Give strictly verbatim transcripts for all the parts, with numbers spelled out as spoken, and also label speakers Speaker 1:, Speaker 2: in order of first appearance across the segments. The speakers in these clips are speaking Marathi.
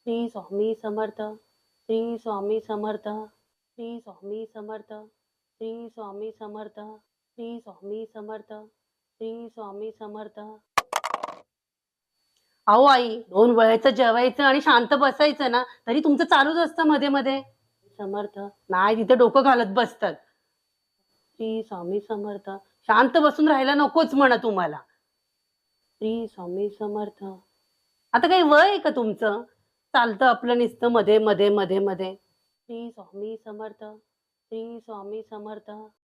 Speaker 1: श्री स्वामी समर्थ, श्री स्वामी समर्थ, श्री स्वामी समर्थ, श्री स्वामी समर्थ, श्री स्वामी समर्थ, श्री स्वामी समर्थ. अहो आई, दोन वेळेचं जेवायचं आणि शांत बसायचं ना, तरी तुमचं चालूच असतं मध्ये मध्ये. समर्थ नाही, तिथे डोकं घालत बसतात. श्री स्वामी समर्थ, शांत बसून राहायला नकोच म्हणा तुम्हाला. श्री स्वामी समर्थ. आता काही वय आहे का तुमचं? चालतं आपलं नुसतं मध्ये मध्ये मध्ये मध्ये. श्री स्वामी समर्थ, श्री स्वामी समर्थ.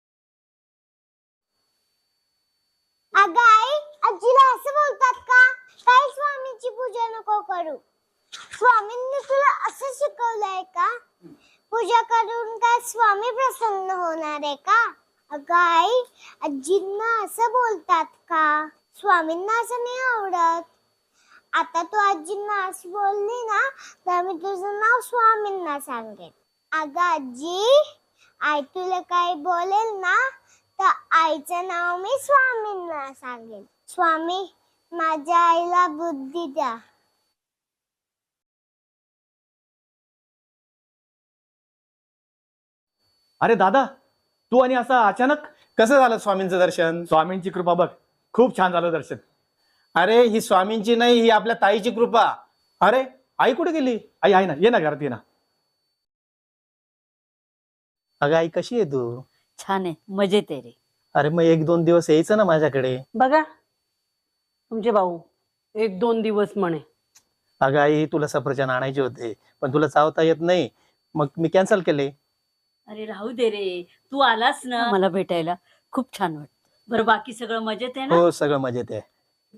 Speaker 2: अगं आई, आजीला असं बोलतात का? काही स्वामींची पूजा नको करू. स्वामींनी तुला असं शिकवलंय का? पूजा करून काय स्वामी प्रसन्न होणार आहे का? अगं आई, आजींना असं बोलतात का? स्वामींना असं नाही आवडत. आता तू आजींना असं बोलली ना, तर मी तुझं नाव स्वामींना सांगेन. अगं आजी, आई तुला काही बोलेल ना, तर आईचं नाव मी स्वामींना सांगेन. स्वामी, माझ्या आईला बुद्धी द्या.
Speaker 3: अरे दादा, तू आणि असं अचानक
Speaker 4: कसं झालं स्वामींचं दर्शन?
Speaker 3: स्वामींची कृपा बघ, खूप छान झालं दर्शन.
Speaker 4: अरे ही स्वामींची नाही, ही आपल्या ताईची कृपा. अरे आई कुठे गेली?
Speaker 3: आई आहे ना, ये ना घरात, ये ना.
Speaker 4: अगं आई कशी आहे तू?
Speaker 5: छान आहे, मजेत आहे रे.
Speaker 4: अरे मग एक दोन दिवस यायचं ना माझ्याकडे.
Speaker 1: बघा तुमचे भाऊ एक दोन दिवस म्हणे.
Speaker 4: अगं आई, तुला सफरचंद आणायचे होते पण तुला चावता येत नाही, मग मी कॅन्सल केले.
Speaker 5: अरे राहू दे रे, तू आलास ना मला भेटायला, खूप छान वाटत. बरं, बाकी सगळं मजेत आहे ना?
Speaker 4: हो सगळं मजेत आहे.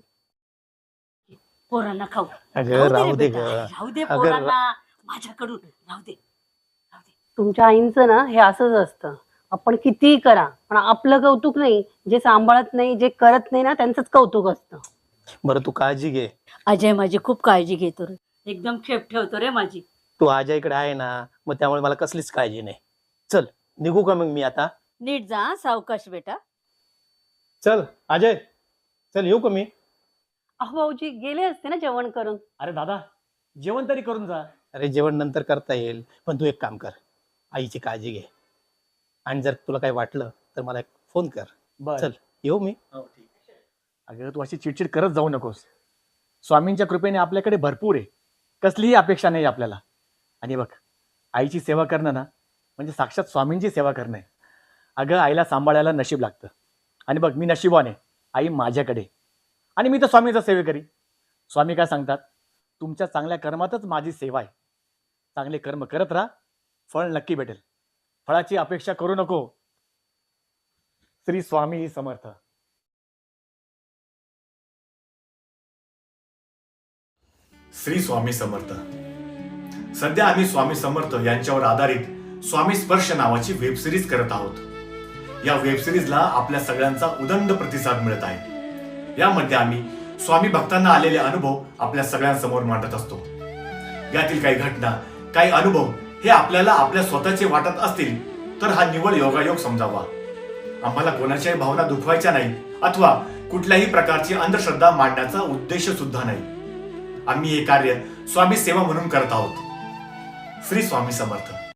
Speaker 5: पोरांना खाऊ.
Speaker 4: अगं राहू दे ग.
Speaker 5: बेटा, राहू दे
Speaker 4: अगं,
Speaker 5: पोरांना, माझ्याकडून राहू दे. राहू दे.
Speaker 1: तुमच्या आईंचं ना हे असंच असतं. आपण कितीही करा पण आपलं कौतुक नाही, जे सांभाळत नाही, जे करत नाही ना, त्यांचंच कौतुक असतं.
Speaker 4: बरं तू काळजी घे.
Speaker 5: अजय माझी खूप काळजी घेतो रे, एकदम खेप ठेवतो रे माझी.
Speaker 4: तू आजा इकडे आहे ना, मग त्यामुळे मला कसलीच काळजी नाही. चल निघू का मग मी आता?
Speaker 5: नीट जा हं, सावकाश बेटा.
Speaker 4: चल अजय, चल येऊ का मी?
Speaker 1: अहो भाऊजी गेले असते ना जेवण करून.
Speaker 3: अरे दादा, जेवण तरी करून जा.
Speaker 4: अरे जेवण नंतर करता येईल, पण तू एक काम कर, आईची काळजी घे. आणि जर तुला काही वाटलं तर मला एक फोन कर.
Speaker 3: बर.
Speaker 4: चल येऊ मी.
Speaker 3: अगं तू अशी चिडचिड करत जाऊ नकोस. स्वामींच्या कृपेने आपल्याकडे भरपूर आहे, कसलीही अपेक्षा नाही आपल्याला. आणि बघ, आईची सेवा करणं ना म्हणजे साक्षात स्वामींची सेवा करणं आहे. अगं आईला सांभाळायला नशीब लागतं. आणि बघ, मी नशिबाने आहे, आई माझ्याकडे, आणि मी तर स्वामीचा सेवेकरी. स्वामी काय सांगतात, तुमच्या चांगल्या कर्मातच माझी सेवा आहे. चांगले कर्म करत राहा, फळ नक्की भेटेल. फळाची अपेक्षा करू नको. श्री स्वामी समर्थ.
Speaker 6: श्री स्वामी समर्थ. सध्या आम्ही स्वामी समर्थ यांच्यावर आधारित स्वामी स्पर्श नावाची वेब सिरीज करत आहोत. या वेब सिरीजला आपल्या सगळ्यांचा उदंड प्रतिसाद मिळत आहे. यामध्ये आम्ही स्वामी भक्तांना आलेले अनुभव आपल्या सगळ्यांसमोर मांडत असतो. यातील काही घटना, काही अनुभव हे आपल्याला आपल्या स्वतःचे वाटत असतील तर हा निव्वळ योगायोग समजावा. आम्हाला कोणाच्याही भावना दुखवायच्या नाही अथवा कुठल्याही प्रकारची अंधश्रद्धा मांडण्याचा उद्देश सुद्धा नाही. आम्ही हे कार्य स्वामी सेवा म्हणून करत आहोत. श्री स्वामी समर्थ.